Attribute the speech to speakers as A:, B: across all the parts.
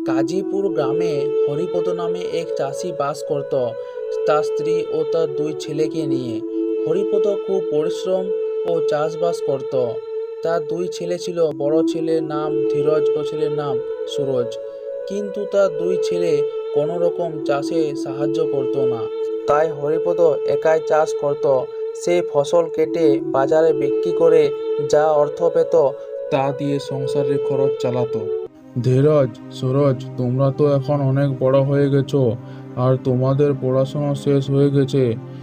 A: কাজীপুর গ্রামে হরিপদ নামে এক চাষি বাস করত তার স্ত্রী ও তার দুই ছেলেকে নিয়ে। হরিপদ খুব পরিশ্রম ও চাষবাস করত। তার দুই ছেলে ছিল, বড় ছেলের নাম ধীরজ ও ছেলের নাম সুরজ। কিন্তু তার দুই ছেলে কোনো রকম চাষে সাহায্য করতো না। তাই হরিপদ একাই চাষ করত। সে ফসল কেটে বাজারে বিক্রি করে যা অর্থ পেত তা দিয়ে সংসারের খরচ চালাতো। ধীরজ, সুরজ, তোমরা তো এখন অনেক বড় হয়ে গেছো আর তোমাদের পড়াশোনা শেষ হয়ে গেছে।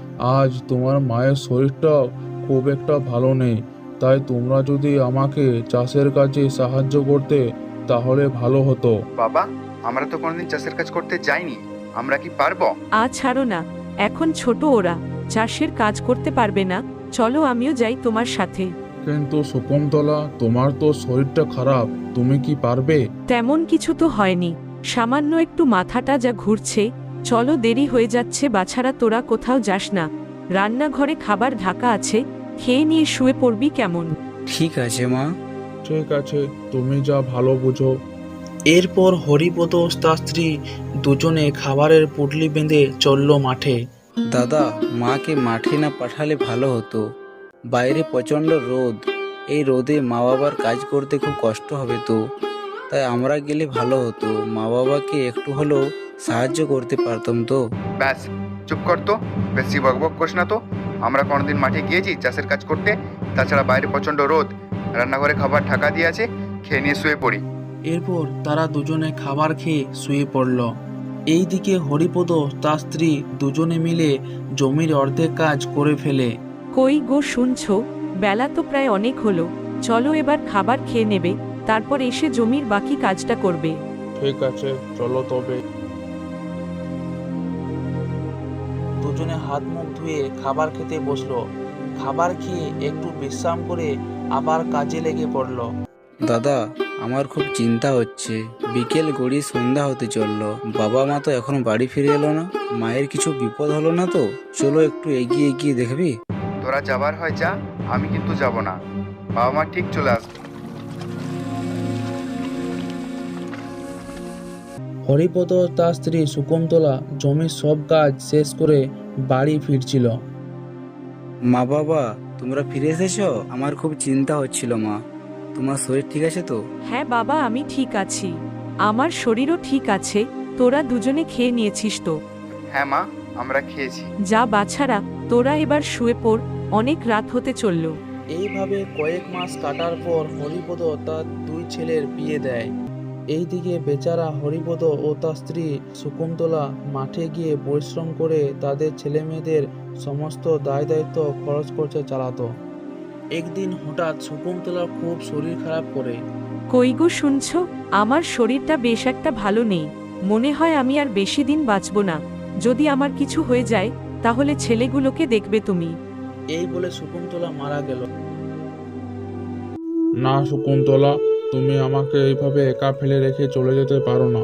A: আজ তোমার মায়ের শরীরটা খুব একটা ভালো নেই, তাই তোমরা যদি আমাকে চাষের কাজে সাহায্য করতে তাহলে ভালো হতো।
B: বাবা, আমরা তো কোনোদিন চাষের কাজ করতে যাইনি, আমরা কি পারবো?
C: ছাড়ো না, এখন ছোট ওরা চাষের কাজ করতে পারবে না। চলো আমিও যাই তোমার সাথে।
A: কিন্তু শকুন্তলা, তোমার তো শরীরটা খারাপ, তুমি কি পারবে?
C: তেমন কিছু তো হয়নি, সামান্য একটু মাথাটা যা ঘুরছে। চলো, দেরি হয়ে যাচ্ছে। বাছারা, তোরা কোথাও যাস না, রান্নাঘরে খাবার ঢাকা আছে, খেয়ে নিয়ে শুয়ে পড়বি কেমন?
D: ঠিক আছে মা।
A: ঠিক আছে, তুমি যা ভালো বুঝো। এরপর হরিপদ ও তার স্ত্রী দুজনে খাবারের পুটলি বেঁধে চলল মাঠে।
D: দাদা, মাকে মাঠে না পাঠালে ভালো হতো। বাইরে প্রচণ্ড রোদ, এই রোদে মা বাবার কাজ করতে খুব কষ্ট হবে তো। তাই আমরা গেলে ভালো হতো, মা বাবাকে একটু হলেও সাহায্য করতে পারতাম তো।
B: ব্যাস, চুপ কর তো, বেশি বকবক করিস না তো। আমরা কোনোদিন মাঠে গিয়েছি চাষের কাজ করতে? তাছাড়া বাইরে প্রচণ্ড রোদ, রান্নাঘরে খাবার ঢাকা দিয়ে আছে, খেয়ে নিয়ে শুয়ে পড়ি।
A: এরপর তারা দুজনে খাবার খেয়ে শুয়ে পড়ল। এইদিকে হরিপদ তার স্ত্রী দুজনে মিলে জমির অর্ধেক কাজ করে ফেলে।
C: কই গো, শুনছো? বেলা তো প্রায় অনেক হলো, চলো এবার খাবার খেয়ে নেবে, তারপর এসে জমির বাকি কাজটা করবে।
A: ঠিক আছে, চলো তবে। দুজনে হাত মুখ ধুয়ে খাবার খেতে বসলো। খাবার খেয়ে একটু বিশ্রাম করে আবার কাজে লেগে পড়লো।
D: দাদা, আমার খুব চিন্তা হচ্ছে। বিকেল গড়িয়ে সন্ধ্যা হতে চললো, বাবা মা তো এখনো বাড়ি ফিরে এলো না। মায়ের কিছু বিপদ হলো না তো? চলো একটু এগিয়ে এগিয়ে দেখবি।
B: তোরা যাবার হয় যা, আমি কিন্তু যাব না। বাবা মা ঠিক চলে আসবে।
A: হরিপদ ও তার স্ত্রী শকুন্তলা জমির সব কাজ শেষ করে বাড়ি ফিরছিল।
D: মা বাবা, তোমরা ফিরে এসেছো? আমার খুব চিন্তা হচ্ছিল মা। তোমার শরীর ঠিক আছে তো?
C: হ্যাঁ বাবা, আমি ঠিক আছি, আমার শরীরও ঠিক আছে। তোরা দুজনে খেয়ে নিয়েছিস তো?
B: হ্যাঁ মা, আমরা খেয়েছি।
C: যা বাছারা, তোরা এবার শুয়ে পড়, অনেক রাত হতে চলল।
A: এইভাবে কয়েক মাস কাটার পর হরিপদ তার দুই ছেলের বিয়ে দেয়। এইদিকে বেচারা হরিপদ ও তার স্ত্রী শকুন্তলা মাঠে গিয়ে পরিশ্রম করে তাদের ছেলেমেয়েদের সমস্ত দায় দায়িত্ব খরচ খরচে চালাতো। একদিন হঠাৎ শকুন্তলার খুব শরীর খারাপ করে।
C: কই গো, শুনছো? আমার শরীরটা বেশ একটা ভালো নেই, মনে হয় আমি আর বেশি দিন বাঁচব না। যদি আমার কিছু হয়ে যায় তাহলে ছেলেগুলোকে দেখবে তুমি।
A: এই বলে শকুন্তলা মারা গেল। না শকুন্তলা, তুমি আমাকে এইভাবে একা ফেলে রেখে চলে যেতে পারো না।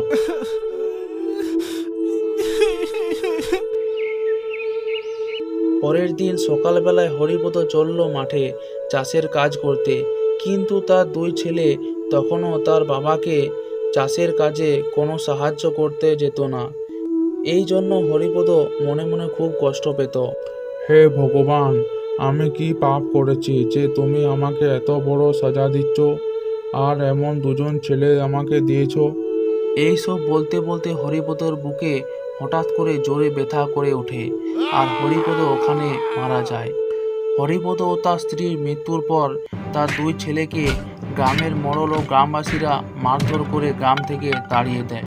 A: পরের দিন সকালবেলায় হরিপদ চলল মাঠে চাষের কাজ করতে, কিন্তু তার দুই ছেলে তখনও তার বাবাকে চাষের কাজে কোনো সাহায্য করতে যেত না। এই জন্য হরিপদ মনে মনে খুব কষ্ট পেত। হে ভগবান, আমি কি পাপ করেছি যে তুমি আমাকে এত বড় সাজা দিচ্ছ আর এমন দুজন ছেলে আমাকে দিয়েছ? এইসব বলতে বলতে হরিপদর বুকে হঠাৎ করে জোরে ব্যথা করে ওঠে আর হরিপদ ওখানে মারা যায়। হরিপদ ও তার স্ত্রীর মৃত্যুর পর তার দুই ছেলেকে গ্রামের মোড়ল ও গ্রামবাসীরা মারধর করে গ্রাম থেকে তাড়িয়ে দেয়।